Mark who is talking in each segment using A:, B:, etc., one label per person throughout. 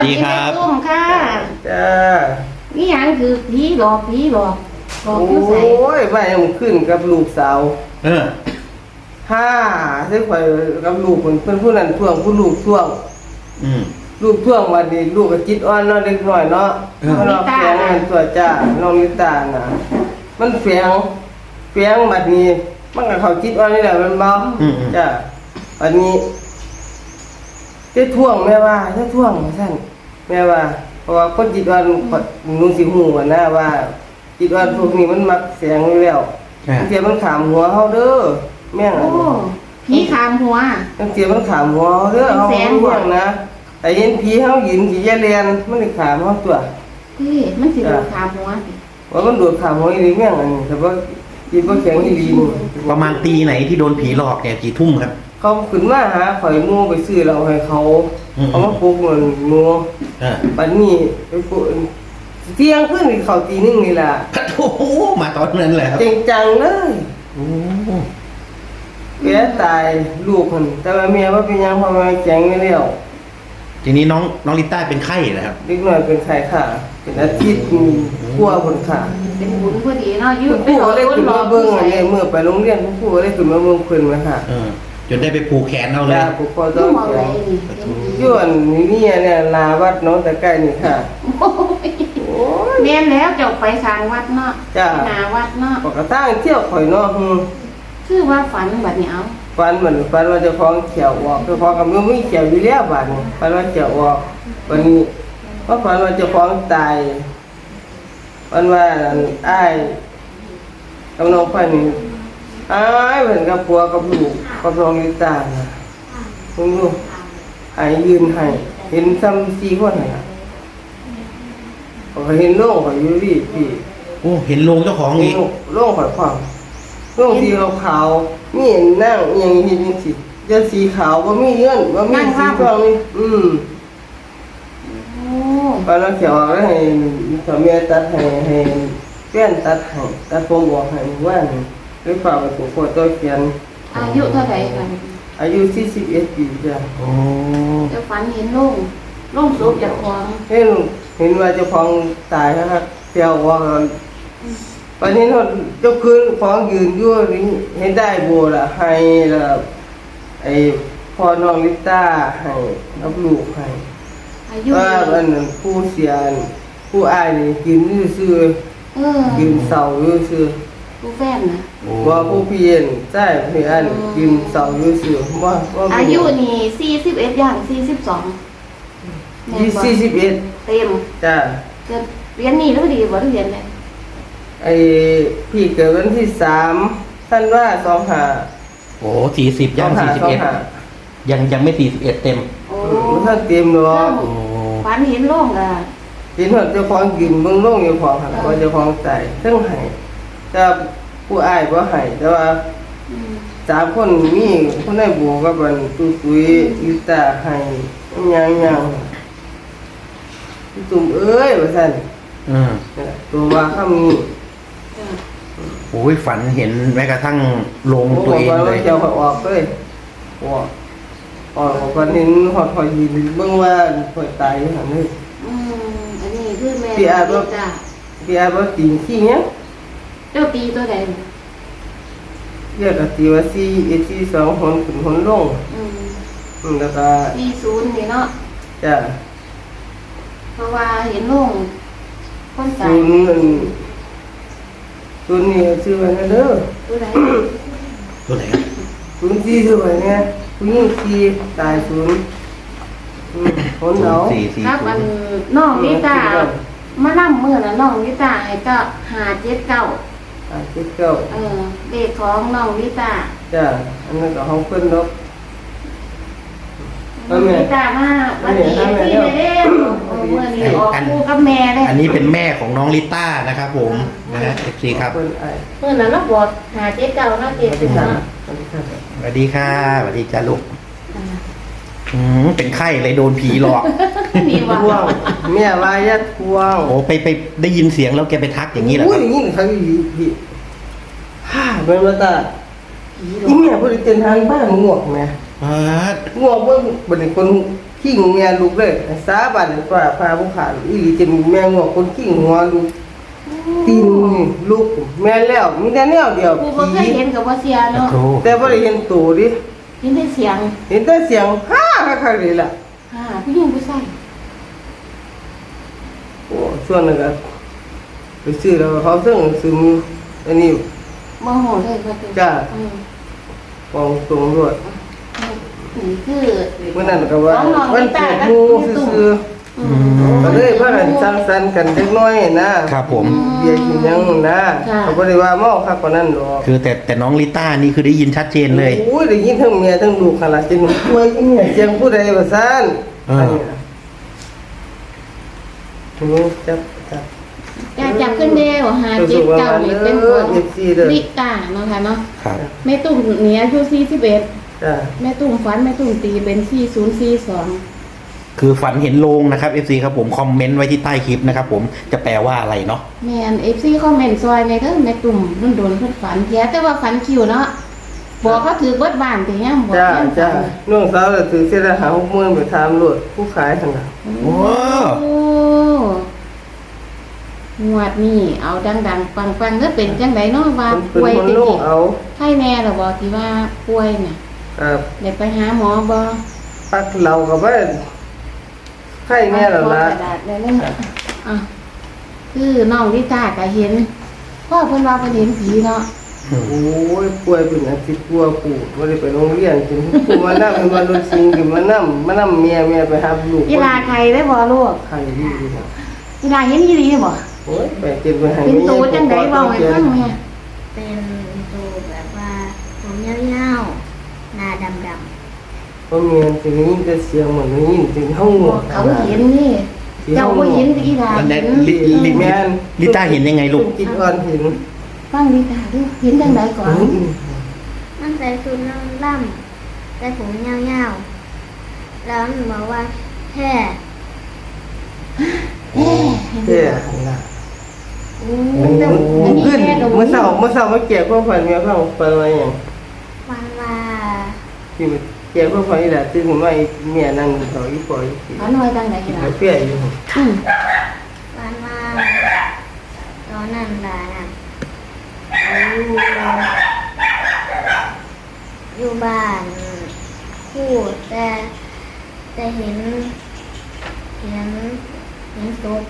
A: ดีครับ
B: ตุ้มค่ะ
C: จ้า
B: นี่ยังคือผีหลอกบอก
C: โอ้
B: อยู่ใส่
C: ยไปมันขึ้นกับลูกสาว
A: เออ
C: ห้าที่ข่อยกับลูกเพิ่นผู้นั้นท่วงผู้ลูกท่วง
A: อืม
C: ลูกท่วงวันนี้ลูกก็จิตอ่อนเนาะเล็กน้อยเนาะ
A: เออ
C: มันเอาแฝงกันตัวจ้าน้องลิตาน่ะมันแฝงบัดนี้ มันก็เข้าจิตอ่อนนี่แหละมันเบาจ้าบัดนี้จะท่วงแม่ว่าจะท่วงซั่นแม่ว่าเพราะว่าคนจิตอ่อนหนูสิฮู้ว่านะว่า จิตอ่อนพวกนี้มันมักแสงอยู่แล้ว
A: อ่า
C: เสียมันขามหัวเฮาเด้อแม่ง
B: โอ้
C: อันนี้
B: ผีขามหัว
C: จังเสียมันขามหัวเฮาเด้อ
B: เป็น
C: เฮา
B: แสง
C: รู้เรื่องนะแต่เห็นผีเฮายืนสิแย่แลนมันสิขามเฮาตัว
B: พี่มันสิโดนขามหัวสิ
C: ว่ามันโดดขามหัวอีหลีแม่งอันนี้แต่ว่าจิตบ่แข็งอีหลีนี่
A: ประมาณตีไหนที่โดนผีหลอกเนี่ยกี่ทุ่มครับ
C: เขาขึ้นมาหาข่อยหมู่ไปซื้อเหล้าให้เขา
A: อืม
C: เอามาปลุกมันหมู่
A: เออ
C: บัดนี้ไปปลุกเที่ยงคืนนี่เข้าตีหนึงนี่ล่ะ
A: โอ้โหมาตอนนั้นแหละครับ
C: จริงจังเลย
A: โอ้
C: แกตายลูกมันแต่ว่าแม่ว่าเป็นหยังเพราะว่าแข็งอยู่แล้ว
A: ทีนี้น้องลิต้าเป็นไข้นะครับ
C: เด็กน้อยเป็นไข้ค่ะเป็นอาทิตย์กลัวผลค่ะ
B: เป็นบุญพอดีเนาะยื
C: คุณ
B: ด
C: ครูก็ได้ขึ้นมาเบิ้ง
B: ใส่
C: อันนี้เมื่อไปโรงเรียนคุณครูก็ได้ขึ้นมาเบิ้งเพิ่นมาค่ะ
A: เออ จนได้ไปผูกแขนเอาเลย
C: ยาผูกคอต้
B: ต้
C: อ
B: อง งมอง
C: แข
B: อะไร
C: น
B: นี่
C: ย้อนนี่เนี่ยลาวัดน้องตะไคร้นี่ค่ะ
B: โอ้ย
C: โอ้ย
B: แม่นแล้วจบไปทางวัดเนาะ
C: จ้า
B: หนาวัดเนาะ
C: ปกติเที่ยวข่อยเนาะ
B: คือว่าฝันแบบนี้เอา
C: ฟันเหมือนฟันว่าเจะคล้าของเขียวออกเจ้าของกับมือไม่เขียวอยู่แล้วบาดนี้ฟันว่าเขียวออกวันนี้เพราะฟันว่าเจ้าของตายวันว่าอ้ายกับน้องไฟนี่อ้ายเหมือนกับผัวกับลูกกับน้องลิตาน่ะคุณลูกหายยืนให้เห็นซ้ำ4คนน่ะเขาเห็นโล่งเขาอยู่พี่
A: โอ้ เห็นโลงเจ้าของ
C: เห็
A: อี
C: น
A: ก
C: โล่งข่อยความโล่งสีขาวๆนี่นั่งอหยังเห็นจังซี่จะสีขาวบ่มีเงื่อนบ่มีสีทองนี่
B: โอ้
C: ปานนั้นเขียวแล้วให้ถ้าแม่ตัดให้แป้นตัดให้ตัดผมออกให้ว่านี่หรือเปล่าไปผูกคอต่อเขียน
B: อายุเท่าไหร่กัน
C: อายุ41ปีจ้ะ
A: โอ้
B: จะฝันเห็นโล่งศพจากของ
C: เห็นว่าเจ้าของตายนะครับเที่ยวว่าวันนี้เจ้าคืนของยืนอยู่นี่เห็นได้บัวล่ะให้ล่ะไอ้พ่อน้องลิต้าให้รับลูกให้
B: อายุ
C: ว่าอันนั้นผู้เสียผู้อายนี่กินซื่อ
B: เออ
C: กินเสาอยู่ซื่อ
B: ผู้แฟนนะ
A: โอ้
C: ว่าผู้พี่เย็นใช่พี่อันกินเสาอยู่ซื่อว่า
B: อายุนี่41ย่าง42แม่นบ่
C: 41
B: เต็ม
C: จ้า
B: จะเรียนนี่แล้วดีบ่เรียนเลย
C: ไอ้พี่เกิดวันที่3ท่านว่า25
A: โห40ย่างยังไม่41เต็ม
B: โอ้
C: ท่านเตรียมหรอก
A: โอ้
B: ฝันเห็นโล่งอ่ะ
C: กินหอดเจ้าของกินเบิ่งลงเจ้าของหั่นว่าเจ้าของตายเทั้งให้แต่ผู้อายบ่ให้แต่ว่า
B: อืม
C: 3คนมีคนได้บัวกับอันตุ้ยลิตาให้ยังตุ่มเอ้ยว่าซั่น
A: อืม
C: ตัวว่าคำนี้
B: จ้ะ
A: โอ้ยฝันเห็นแม้กระทั่งโลง
C: ผม
A: ตัว
C: บอก
A: เอง
C: ว่า
A: เลย
C: เจ้าเขาออกเลยออกคนนี้หอดยืนเบิ่งว่าข่อยตายอยู่หั่นนี่
B: อืมอันนี้คือแม่
C: พี่อาจว่า
B: จ้ะ
C: พี่อาบ่ตีขี้เนี้ย
B: เจ้าตีตัวใด
C: เรียกก็ตีว่า4 2หนขึ้นหนลง
B: อืม
C: แล้วก็
B: 40นี่เนาะ
C: จ้ะ
B: เพราะว่าเห็นโล่งคนตาย
C: ศูนย์นี่ชื่อว่าเด้อ
B: ตัวใด
A: ตัวไหนครับ
C: ศูนย์4ชื่อว่าเนี่ยผู้หญิง4ตายศูนย์หนเอา
A: 440
B: ครับอันน้องนิตามาล่ำมื้อน่ะน้องนิตาให้ก็579
C: ตาย79
B: เด็กของน้องลิตา
C: จ้ะอันนั้นก็ห้องเพิ่นเนาะ
B: น้องลิตามาวันนี้ที่ไม่ได้เมื่อนี้ออกคู่กับแม่เลย
A: อันนี้เป็นแม่ของน้องลิต้านะครับผมนะฮะ FC ครับ
C: เพิ่นไอ้
B: เมื่อนั้นเราบอกหาเจ๊เก่าเนาะเจ๊ถึงเนาะ
A: สวัสดีค่ะสวัสดีจ้าลูกเป็นไข้เลยโดนผีหลอก
B: มีว่า
C: ทวงแม่ว่าอย่าทวง
A: โอ้ไปได้ยินเสียงแล้วแกไปทักอย่างนี้เหรอครับ
C: อย่างนี้เขาอยู่พี่ฮ่าเบิ่งว่าตาอีแม่บ่ได้เต้นทางบ้านงวกแม่
A: อ่า
C: ง่วงเบิ่งบัดนี้คนขิงแม่ลูกเลยสาบานเลยว่าพาผู้ขาดอีหลีจะมีแม่งอกคนขิงหัวลูกตีนนี่ลูกแม่แล้วมีแต่แนวเดียว
B: กูบ่เคยเห็นกับว่าเสียเนาะ
A: โอ้
C: แต่บ่ได้เห็นตัวดิ
B: เห็นแต่เสียง
C: เห็นแต่เสียงฮ่าคักๆเลยล่ะ
B: ผู้หญิงผู้ชาย
C: โอ้ส่วนนั้นก็ไปซื้อแล้วเขาซึ่งซื้ออันนี้
B: บ่โหเลยก็เป็น
C: จ้า
B: อืม
C: กองตรงด้วย
B: นี่คือ
C: เมื่อนั้นก็ว่าวันเกิดหมู่ซื่อ
B: อื
C: ๆก็เลยพากันสังสรรค์กันเล็กน้อยนะครับ
A: ผม
C: เบียร์กินหยังนะเขาบ่ได้ว่าเมาคักกว่านั้นดอก
A: คือแต่น้องลิต้านี่คือได้ยินชัดเจนเลย
C: โอ้ยได้ยินทั้งเมียทั้งลูกขนาดจนป่วยอีเนี่ยเสียงผู้ใดว่าซ่าน
A: อ่า
C: อันนี้นะจับ
B: แต่จับขึ้นเด้วหาเจ็ดเก้านี่เป็นคนลิตาเนาะค่ะเนาะ
A: ครับ
B: แม่ตุ้มเนี่ยอายุ41
C: จ้า
B: แม่ตุ้มฝันแม่ตุ้มตีเป็น4042
A: คือฝันเห็นโลงนะครับ FC ครับผมคอมเมนต์ไว้ที่ใต้คลิปนะครับผมจะแปลว่าอะไรเนาะ
B: แม่น FC คอมเมนต์ซอยในเด้อแม่ตุ่มโดนๆเพิ่นฝันแท้แต่ว่าฝันคิวเนาะบอกเขาถือเบิดบ้านแต่ยังบอก
C: จ้า
B: ยัง
C: จ้า
B: ฝัน
C: น้องสาวเลยถือเสียละหา60,000ไปถามรถผู้ขายหั่นน่ะ
A: โอ้
B: โอ้งวดนี้เอาดังๆปังๆเด้อเป็นจังไดเนาะว่า
C: เป็น
B: ป่วย
C: คน
B: ติ
C: ลงเอา
B: ไข้แน่ล่ะบ่ที่ว่าป่วยน่ะ
C: ครับ
B: ได้ไปหาหมอบ่
C: ปักเราก็บ่ไข้แน่แล้วล่ะ
B: กระดาษได้เลยอ่ะคือน้องลิตาก็เห็นพ่อเพิ่นว่าเพิ่นเห็นผีเนาะ
C: โอ้ยป่วยเป็นอาทิตย์กว่าปู่บ่ได้ไปโรงเรียนกินปู่มานำมันรถซิงกินมานำเมียไปหาลูก
B: อีลาใครได้บ่ลูก
C: ไข้ดีนะ
B: อีลาเห็นอีหลีบ่
C: โอ้ยไปเก็บไว้ให้
B: เป็นตัวจังไดเว้าให้ฟังแม่
D: เป็นตัวแบบว่าผมยาวๆหน้าดำ
C: เพราะเมียนสิได้ยินแต่เสียงเหมือนได้ยินถึงห้อง
B: บอกเขาเห็นนี่ เจ้าบ่เห็นอีลา
A: อัน
B: เห็
A: นั้น
B: น
A: ลิต้าเห็นยังไงลูก
C: จิตอ่อนเห็น
B: ฟังลิตาดูเห็นจังไดก่อน
D: ๆมันใส่ชุดล่ำๆแต่ผมยาวๆแล้วมันบอกว่าแค่
B: เอ๊ะ
C: แค่ล่ะ
B: โอ้
C: อันนี้ขึ้นเมื่อเช้ามาเกี่ยวกับฝันเมียฟังฝันว่าหยัง
D: วันว่า
C: ที่เกี่ยวกับฝันนี่แหละตื่นมาเมียนั่งเถาอีปอย
B: ฝันว่าจังได
C: กิน
B: ล่ะ
C: กาแฟอยู่
B: อืม
D: วันว่าตอนนั้นล่ะนะอยู่บ้านพูดแต่เห็นศพ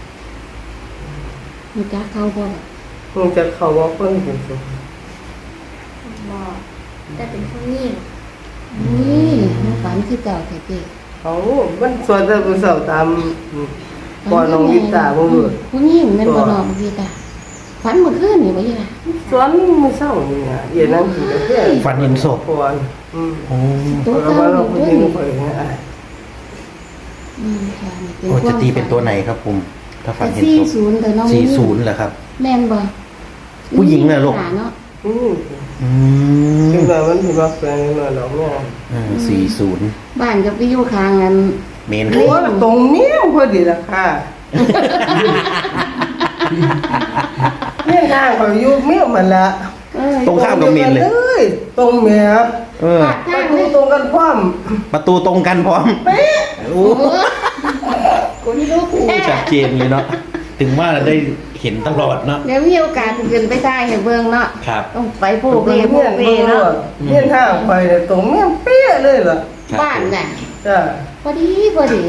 B: มีจักเขาบ่
C: คงจะเข้าว่าเพิ่นเป็นสุข
D: บอกแต่เป็นผู้หญิง
B: นี่มันฝันคือเก่าแท้เจ้
C: เขามันสวนแต่ผู้สาวตามก่อนน้องวิตาบ่รู้
B: ผู้หญิงแม่นบ่น้องลิตาฝันเมื่อคืนนี่บ่อีหล่ะ
C: สวนมื้อเช้านี่อ่ะเย็นนั่งกินกาแฟ
A: ฝันเห็นศพ
C: ก่อน
A: โอ้
B: ตัว
C: แล้ว
B: เก่า
C: ว่าเรา
B: นี่
C: ผู้
B: ตัว
C: หญิง
B: นี้
C: ไปเนี่ย
B: ค่ะนี่
A: โอ้จะตีเป็นตัวไหนครับผมถ้าฝันเห็นศพ
B: 40แต่น้อง
A: 40เหรอครับ
B: แม่นบ่
A: ผู้หญิงน่ะลูก
B: เนาะ
C: อืม
A: อื
C: จัง
A: ม
C: ไดมันสิว่าแฟนมาดอกแม่
A: 40
B: บ้านกับไปอยู่ข้างนั้น
A: เมน
C: โอ้ยตรงนี้พอดีล่ะค่ะเนี่ยทางเขาอยู่เมียมันละ
A: ตรงข้ามกับเมนเลย
C: ยตรงเมีย
A: เออ
C: ถ้าดูตรงกันพร้อม
A: ประตูตรงกันพร้อมโอ้
B: คนลูกแท้
A: ชัดเจนเลยเนาะถึงว่าได้เห็นตลอดเนาะ
B: เดี๋ยวมีโอกาสขึ้นไปได้ให้เบิ่งเนาะ
A: ครับ
B: ต้องไปโพ
C: ตรง
B: เป
C: เมีย
B: โพเปเนาะ
C: เนี่ยทางไปเนี่ยตรงเมียเปี้ยเลยล่ะ
A: ครับ
B: บ้านน่ะ
C: จ้า
B: พอดีพอดี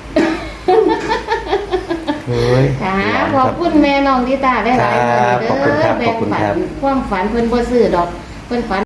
A: เฮ้ย
B: ค่ะขอบคุณแม่น้องดิตาได้หลายๆ
A: ครับขอบคุณครับ
B: แบ่ง
A: ขอบคุณ
B: ปั
A: ครับ
B: นความฝันเพิ่นบ่ซื้อดอกเพิ่นฝัน